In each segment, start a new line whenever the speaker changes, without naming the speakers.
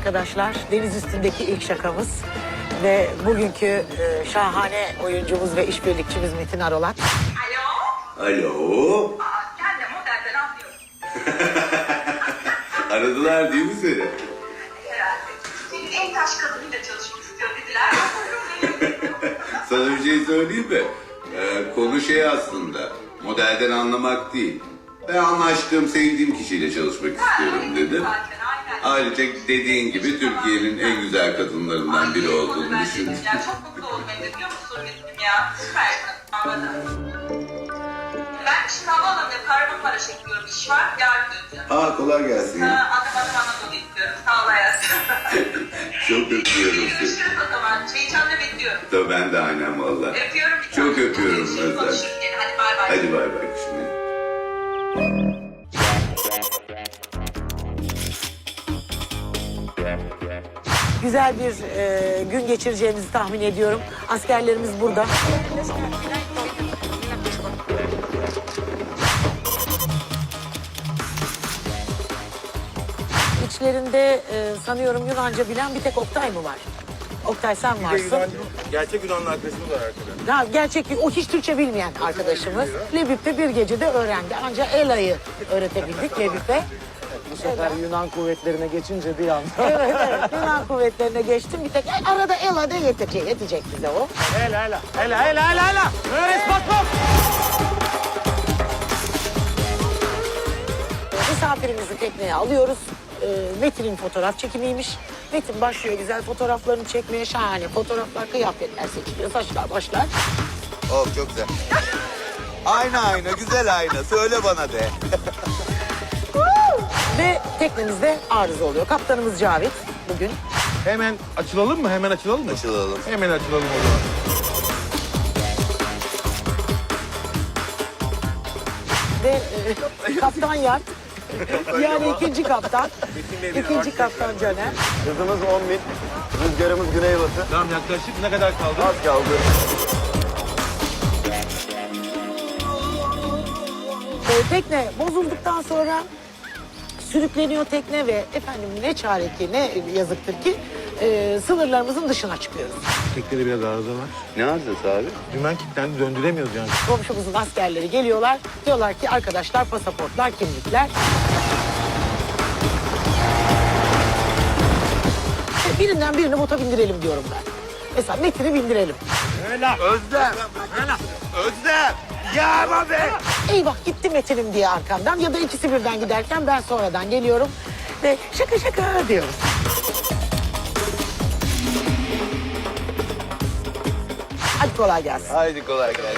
arkadaşlar. Deniz üstündeki ilk şakamız. Ve bugünkü şahane oyuncumuz ve işbirlikçimiz Metin Arolat.
Alo.
Alo.
Ben de modelden anlıyorum.
Aradılar değil mi seni?
Herhalde. Senin en taş kadınıyla çalışmak istiyor dediler.
Sana bir şey söyleyeyim mi? Konu şey aslında. Modelden anlamak değil. Ben anlaştığım, sevdiğim kişiyle çalışmak istiyorum dedim.
Zaten aynen.
Ayrıca dediğin gibi Türkiye'nin en güzel kadınlarından biri olduğunu düşündüm.
Ya çok mutlu oldum Emre, biliyor musun Metin'im ya? Süpersin. Anladım. Ben şimdi havaalanında Kahramanmaraş'a gidiyorum. İş var. Yarın döneceğim.
Aa, kolay gelsin.
Adım Anadolu istiyorum. Sağ ol hayatım.
Çok öpüyorum seni.
Görüşürüz o zaman. Çay içanla bekliyorum.
Tabii ben de aynen valla.
Öpüyorum bir
Çok
tane.
öpüyorum
Görüşürüz,
Özlem.
konuşuruz gene. Hadi bay bay.
Hadi bay bay şimdi.
Güzel bir gün geçireceğimizi tahmin ediyorum. Askerlerimiz burada. İçlerinde sanıyorum Yunanca bilen bir tek Oktay mı var? Oktay sen varsın.
Gerçek Yunanlı arkadaşımız var arkada.
Ya gerçek o hiç Türkçe bilmeyen arkadaşımız. Lebip'te bir gecede öğrendi. Ancak Ela'yı öğretebildik Lebip'e.
Bu sefer Yunan kuvvetlerine geçince bir anda.
Evet evet Yunan kuvvetlerine geçtim. Bir tek arada Ela'da yetecek bize o.
Ela. Öğret bak.
Misafirimizi tekneye alıyoruz. Metin'in fotoğraf çekimiymiş. Metin başlıyor güzel fotoğraflarını çekmeye. Şahane fotoğraflar, kıyafetler seçiliyor. Saçlar başlar.
Oh çok güzel. Ayna güzel ayna. Söyle bana de.
Ve teknemizde arıza oluyor. Kaptanımız Cavit bugün.
Hemen açılalım mı?
Açılalım.
Hemen açılalım o zaman.
Ve kaptan Yart. Yani ikinci kaptan. İkinci kaptan Caner.
Hızımız 10.000. Rüzgarımız güneybatı.
Tamam yaklaşık ne kadar kaldı?
Az kaldı.
Tekne bozulduktan sonra sürükleniyor tekne ve efendim ne çare ki ne yazıktır ki sınırlarımızın dışına çıkıyoruz.
Teknede biraz arıza var.
Ne arızası abi?
Dümen kilitlendi döndüremiyoruz yani.
Komşumuzun askerleri geliyorlar. Diyorlar ki arkadaşlar pasaportlar, kimlikler. Birinden birini bota bindirelim diyorum ben. Mesela Metin'i bindirelim.
Özlem. Ya abi.
Eyvah gitti Metin'im diye arkamdan ya da ikisi birden giderken ben sonradan geliyorum ve şaka diyoruz. Hadi kolay gelsin.
Haydi kolay gelsin.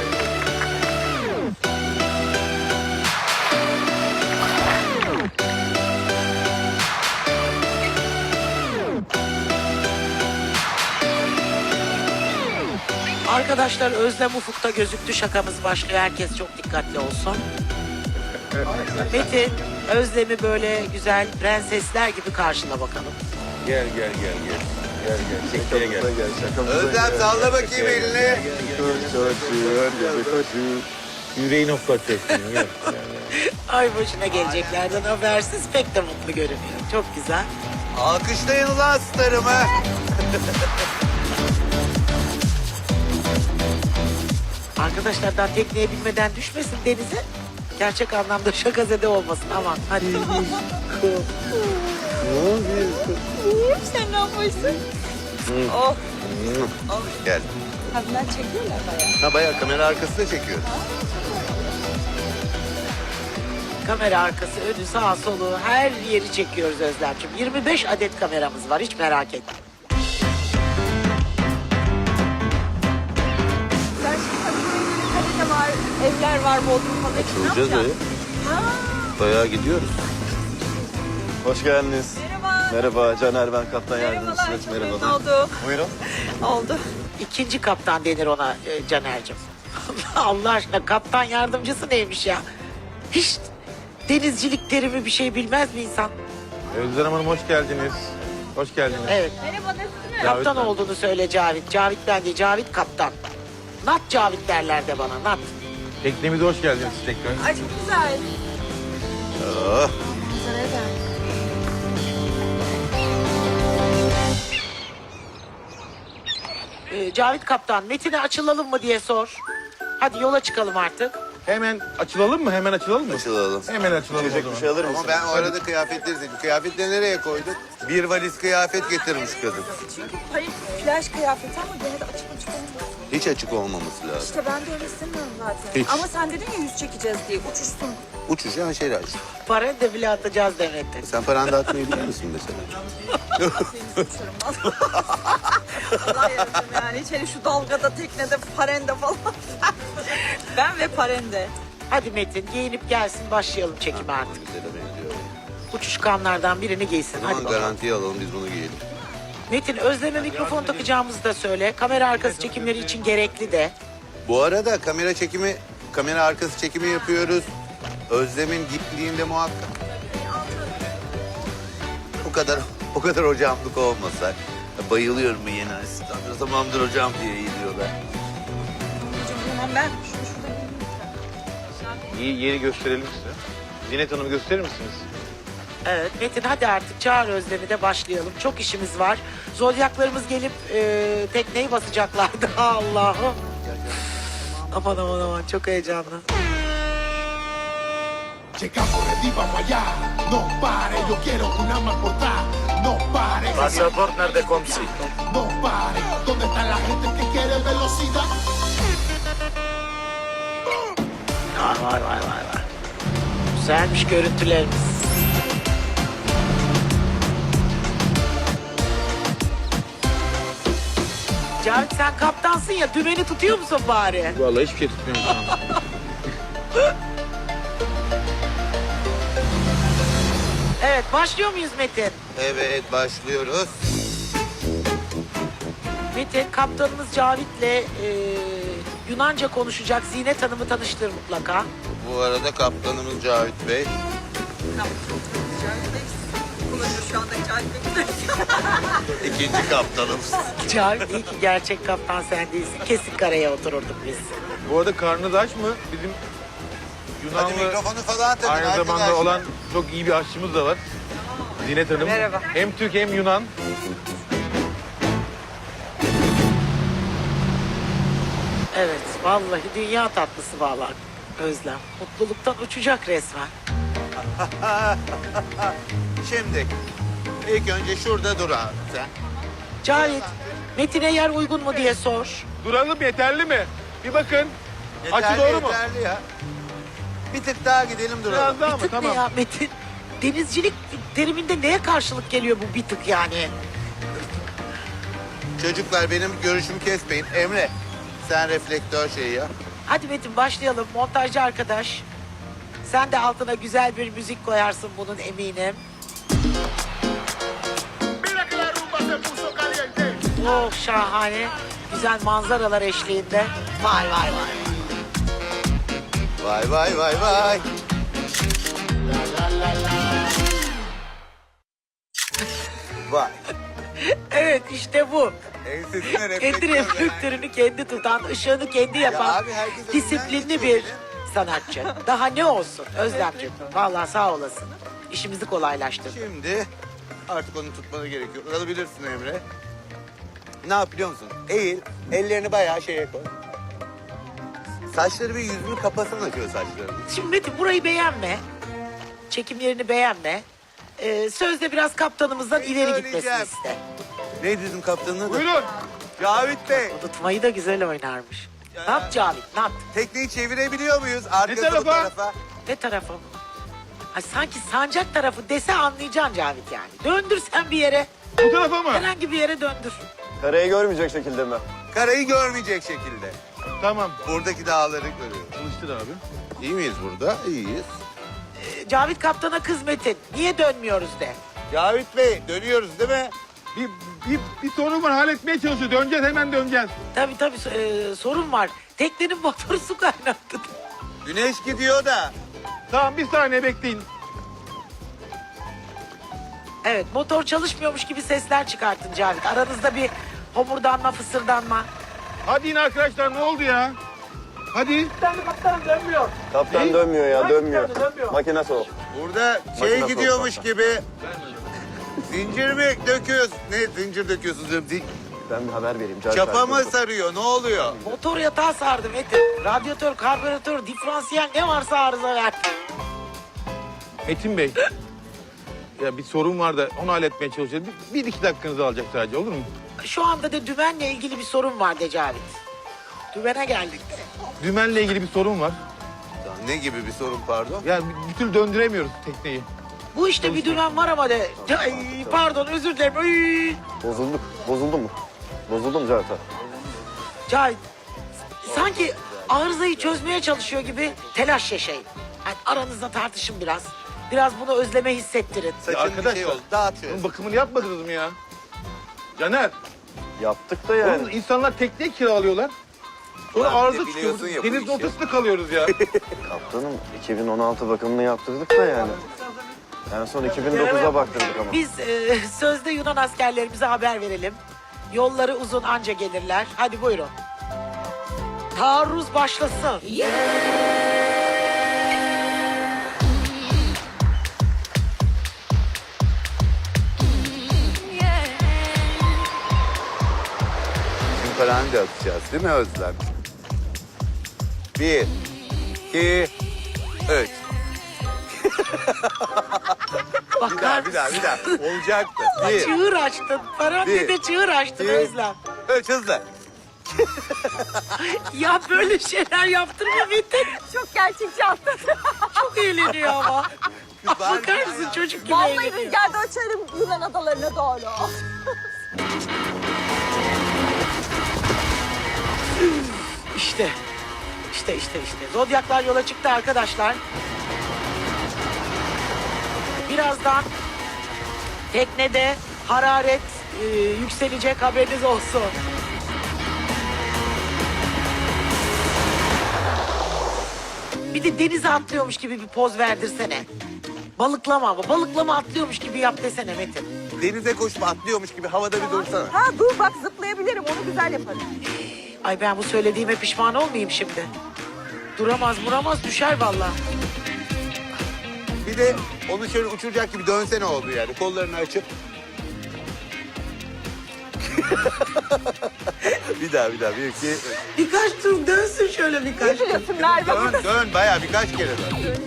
Arkadaşlar Özlem ufukta gözüktü, şakamız başlıyor. Herkes çok dikkatli olsun. Metin, Özlem'i böyle güzel prensesler gibi karşıla bakalım.
Gel. Tekneye gel.
Özlem salla bakayım elini.
Yüreğini hoplatacaksın. Gel.
Ay başına geleceklerden habersiz pek de mutlu görünüyor. Çok güzel.
Alkışlayın ulan starımı.
Arkadaşlar daha tekneye binmeden düşmesin denize. Gerçek anlamda şakazede olmasın aman. Hadi.
Sen ne yapıyorsun? Oh,
Gel.
kadınlar çekiyorlar bayağı.
Ha bayağı kamera arkasında çekiyor.
Kamera arkası, önü, sağa, solu her yeri çekiyoruz Özlemciğim. 25 adet kameramız var hiç merak etme.
Sen şimdi Kadıköy'de var, evler var, Bodrum falan. Ne
Açılacağız
yapacaksın? Ha,
Bayağı gidiyoruz. Hoş geldiniz.
merhaba.
Merhaba Caner, ben kaptan
Merhabalar,
yardımcısınız.
çok memnun oldum.
Buyurun.
Oldu.
İkinci kaptan denir ona Caner'cim. Allah aşkına kaptan yardımcısı neymiş ya? Hiç denizcilik terimi bir şey bilmez mi insan?
Özlem Hanım hoş geldiniz. Hoş geldiniz.
Evet.
Merhaba, nasılsınız?
Kaptan
ben.
olduğunu söyle Cavit. Cavit ben değil, Cavit kaptan. Nat Cavit derler de bana, Nat.
Teknemize hoş geldiniz tekrar.
Ay çok güzel.
Oh.
Güzel gel.
Cavit Kaptan, Metin'e açılalım mı diye sor. Hadi yola çıkalım artık.
Hemen açılalım mı? Hemen açılalım mı?
Açılalım.
Hemen açılalım o zaman.
Bir şey alır mısın? Ama ben o arada kıyafetleri seçtim. Kıyafetleri nereye koyduk? Bir valiz kıyafet getirmiş kadın.
Çünkü hayır plaj kıyafeti ama gene de açık açık olmuyor.
Hiç açık olmaması lazım.
İşte ben de öyle istemiyorum zaten.
Hiç.
Ama sen dedin ya yüz çekeceğiz diye uçuşsun.
Uçuş ya şeyler aç.
Para da bile atacağız Demet'e.
Sen paranı dağıtmayı biliyor musun mesela?
Allah yardım yani içeri şu dalgada teknede parende falan. Ben ve parende.
Hadi Metin giyinip gelsin başlayalım çekime artık.
Güzel benziyor.
Uçuş kanlardan birini giysin.
O
Hadi
zaman
bakalım.
garantiye alalım biz bunu giyelim.
Metin Özlem'e mikrofon takacağımızı da söyle. Kamera arkası çekimleri için gerekli de.
Bu arada kamera arkası çekimi yapıyoruz. Özlem'in gittiğinde muhakkak. O kadar hocamlık olmasa. Bayılıyorum bu yeni asistanlara. Tamamdır hocam diye eğiliyorlar.
Hemen ben şurada
İyi yeri gösterelim size. Zinet Hanım gösterir misiniz?
Evet Metin hadi artık çağır Özlem'i de başlayalım. Çok işimiz var. Zodyaklarımız gelip tekneyi basacaklardı. Allah'ım. Aman aman aman çok heyecanlı.
Llegamos ready, vamos allá. No pare, yo quiero una más portada. No pare,
Pasaport nerede komşu?
no pare. ¿Dónde está la gente que quiere velocidad?
Var. Güzelmiş görüntülerimiz. Cavit sen kaptansın ya dümeni tutuyor musun bari?
Vallahi hiçbir şey tutmuyorum şu anda.
Evet başlıyor muyuz Metin?
Evet başlıyoruz.
Metin kaptanımız Cavit'le Yunanca konuşacak. Zinet Hanım'ı tanıştır mutlaka.
Bu arada kaptanımız Cavit Bey.
kullanıyor şu anda kendimi.
İkinci kaptanımız.
Cavit iyi ki gerçek kaptan sen değilsin. Kesin karaya otururduk biz.
Bu arada karnınız aç mı? Bizim
Hadi
Yunanlı
mikrofonu falan takın
aynı
arkadaşlar.
zamanda olan çok iyi bir aşçımız da var. Zinet Hanım.
Merhaba.
Hem Türk hem Yunan.
Evet vallahi dünya tatlısı vallahi Özlem. Mutluluktan uçacak resmen.
Şimdi ilk önce şurada dur abi sen.
Cavit, Metin'e yer uygun mu diye sor.
Duralım yeterli mi? Bir bakın. Açı
Yeterli,
doğru mu?
yeterli ya. Bir tık daha gidelim duralım.
Biraz daha
Bir
mı?
tık
Tamam.
ne ya Metin? Denizcilik teriminde neye karşılık geliyor bu bir tık yani?
Çocuklar benim görüşümü kesmeyin. Emre sen reflektör şeyi ya.
Hadi Metin başlayalım. Montajcı arkadaş. Sen de altına güzel bir müzik koyarsın bunun eminim.
Mira que la rumba se puso caliente.
Oh şahane. Güzel manzaralar eşliğinde. Vay vay vay.
Vay vay vay vay. Vay.
Evet işte bu.
Ensesine
Kendi
reflektör.
reflektörünü kendi tutan, ışığını kendi yapan
abi, herkes
disiplinli
elinden
bir sanatçı. Daha ne olsun Özlemciğim. Vallahi sağ olasın. İşimizi kolaylaştırdın.
Şimdi artık onu tutmana gerek yok. Alabilirsin Emre. Ne yap biliyor musun? Eğil, ellerini bayağı şeye koy. Saçları bir yüzünü kapasana şöyle saçlarını.
Şimdi Metin burayı beğenme. Çekim yerini beğenme. Sözde biraz kaptanımızdan
Neyi
ileri
söyleyeceğim?
gitmesini iste.
Neydi bizim kaptanın adı?
Buyurun.
Cavit Bey.
Unutmayı da güzel oynarmış. Ne yap Cavit? Ne yaptın?
Tekneyi çevirebiliyor muyuz? Arkası bu
tarafa?
tarafa.
Ne tarafa mı? Ay sanki sancak tarafı dese anlayacaksın Cavit yani. Döndür sen bir yere.
Bu tarafa mı?
Herhangi bir yere döndür.
Karayı görmeyecek şekilde mi?
Karayı görmeyecek şekilde.
Tamam.
Buradaki dağları görüyoruz.
Çalıştır abi.
İyi miyiz burada? İyiyiz.
Cavit kaptana kız Metin. Niye dönmüyoruz de.
Cavit Bey dönüyoruz değil mi?
Bir sorun var halletmeye çalışıyor. Döneceğiz hemen döneceğiz.
Tabii sorun var. Teknenin motoru su kaynattı.
Güneş gidiyor da.
Tamam bir saniye bekleyin.
Evet motor çalışmıyormuş gibi sesler çıkartın Cavit. Aranızda bir homurdanma fısırdanma.
Hadi yine arkadaşlar ne oldu ya? Hadi.
Kaptan dönmüyor ya, dönmüyor. Makinesi o.
Burada şey
Makine
gidiyormuş
soğuk
gibi. Zincir mi döküyorsun? Ne zincir döküyorsunuz diyorum.
Ben bir haber vereyim. Cahit
Çapa
abi,
mı
dur.
sarıyor? Ne oluyor?
Motor yatağı sardı Metin. Radyatör, karbüratör, diferansiyel ne varsa arıza verdi.
Metin Bey. Ya bir sorun var da onu halletmeye çalışıyoruz. Bir iki dakikanızı alacak sadece, olur mu?
Şu anda da dümenle ilgili bir sorun var Decavit. Dümene geldik.
Dümenle ilgili bir sorun var.
Ne gibi bir sorun pardon?
Yani bir türlü döndüremiyoruz tekneyi.
Bu işte bir dümen var ama de. Ay, pardon özür dilerim. Ay.
Bozulduk. Bozuldu mu? Bozuldu mu Cahit abi?
Cahit, sanki arızayı çözmeye çalışıyor gibi telaş yaşayın. Yani aranızda tartışın biraz. Biraz bunu özleme hissettirin.
Saçın bir
arkadaşlar,
şey oldu. Dağıt şöyle.
Bunun bakımını yapmadınız mı ya? Caner,
Yaptık da yani.
oğlum insanlar tekne kiralıyorlar. Sonra
Ulan
arıza
bir de
çıkıyor.
biliyorsun ya bu
Denizin
işi.
ortasında kalıyoruz ya.
Kaptanım 2016 bakımını yaptırdık da yani. En son 2009'a baktırdık ama.
Biz sözde Yunan askerlerimize haber verelim. Yolları uzun anca gelirler. Hadi buyurun. Taarruz başlasın.
Simparhanı da atacağız değil mi Özlem? 1, 2, 3.
Bakar
Bir daha. Olacaktı. 1,
Çığır açtın. Parantezde çığır açtın
bir.
Özlem.
3 hızlı.
Ya böyle şeyler yaptırma Metin.
Çok gerçekçi atladı.
Çok eğleniyor ama. Bakar mısın çocuk gibi
Vallahi
eğleniyor.
rüzgarda uçarım Yunan adalarına doğru.
İşte. Zodyaklar yola çıktı arkadaşlar. Birazdan teknede hararet yükselecek, haberiniz olsun. Bir de denize atlıyormuş gibi bir poz verdirsene. Balıklama ama. Balıklama atlıyormuş gibi yap desene Metin.
Denize koşup atlıyormuş gibi havada bir dursana.
Ha dur bak zıplayabilirim onu güzel yaparım.
Ay ben bu söylediğime pişman olmayayım şimdi. Duramaz düşer vallahi.
Bir de onu şöyle uçuracak gibi dönsene oldu yani. Kollarını açıp. bir daha. 1, 2, 3.
Birkaç tur dönsün şöyle birkaç tur.
Biliyorsun Merve.
Dön bayağı birkaç kere dön.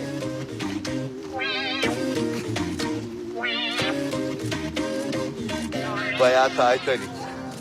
Bayağı Titanic.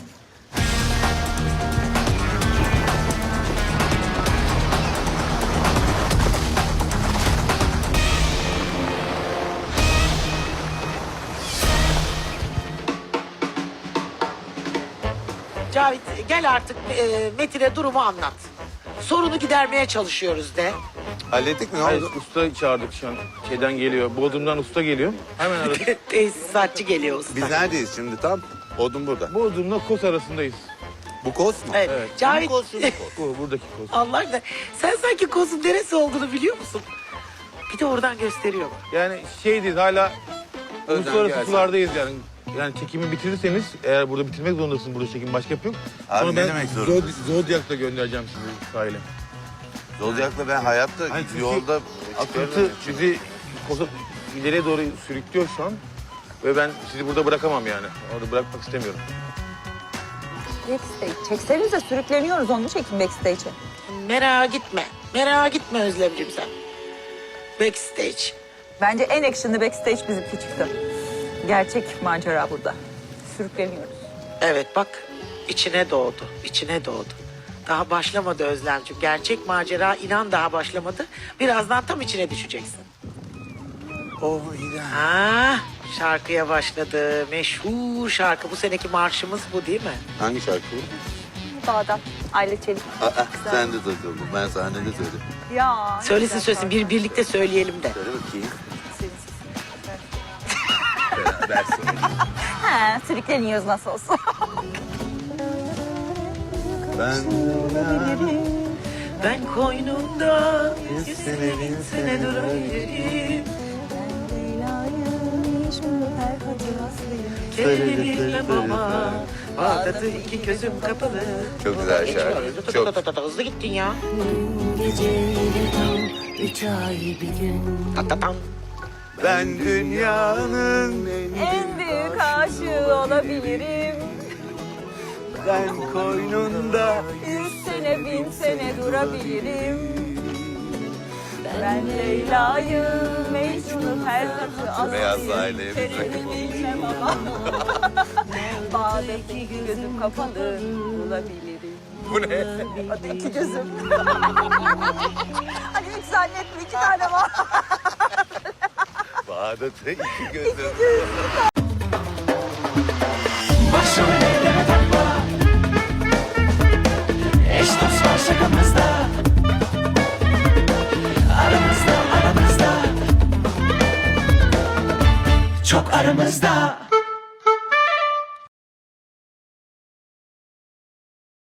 Cavit gel artık Metin'e durumu anlat. Sorunu gidermeye çalışıyoruz de.
Hallettik mi? Ne
Hayır,
oldu?
usta çağırdık şu an. Şeyden geliyor, Bodrum'dan usta geliyor. Hemen aradık.
Tesisatçı geliyor usta.
Biz neredeyiz şimdi tam? Odun burada.
Bodrum'la Kos arasındayız.
Bu kos mu?
Evet. Cavit,
Bu kos, şu bu kos.
Bu buradaki Kos.
Allah aşkına sen sanki kozun neresi olduğunu biliyor musun? Bir de oradan gösteriyor bak.
Yani şeydeyiz hala
Özlem
uluslararası
gelsin.
sulardayız yani. Yani çekimi bitirirseniz eğer burada bitirmek zorundasın, burada çekim başka yok.
Abi
Sonra
ne
ben
demek zorundasın?
Zodyak'la göndereceğim sizi sahile.
Zodyak'la ben hayatta
Hayır, çünkü
yolda
Akıntı bizi Kos'a ileriye doğru sürüklüyor şu an. Ve ben sizi burada bırakamam yani. Orada bırakmak istemiyorum.
Backstage. Çeksenize sürükleniyoruz onu çekin backstage'e.
Merak gitme Özlemciğim sen. Backstage.
Bence en action'lı backstage bizimki çıktı. Gerçek macera burada. Sürükleniyoruz.
Evet bak içine doğdu. Daha başlamadı Özlemciğim. Gerçek macera inan daha başlamadı. Birazdan tam içine düşeceksin.
Oh İrem.
Ah, şarkıya başladı. Meşhur şarkı. Bu seneki marşımız bu değil mi?
Hangi şarkı bu?
Bağdat. Aile Çelik.
Sen de takıldın. Ben sahnede söyledim.
Ya.
Söylesin birlikte söyleyelim de.
Söyle bakayım.
He, sürükleniyoruz nasıl olsa.
Ben koynumda 100 sene 1000 sene durabilirim. Kendimi bilmem ama Bağdat'ı iki gözüm kapalı.
Çok güzel şarkı. Çok.
Hızlı gittin ya.
Ben dünyanın
En büyük aşığı olabilirim.
ben koynunda.
100 sene 1000 sene durabilirim. Ben Leyla'yı, Mecnun'u, Ferhat'ı,
Beyaz
Aslı'yı,
aileye bir
Kerem'i bilmem ama Bağdat'taki gözüm kapalı bulabilirim.
Bu ne?
İki gözüm. Hani hiç zannetme 2 tane var.
Bağdat'ta iki gözüm.
Başrol eyleme takma. Eş dost var şakamızda. Aramızda, aramızda. Çok aramızda.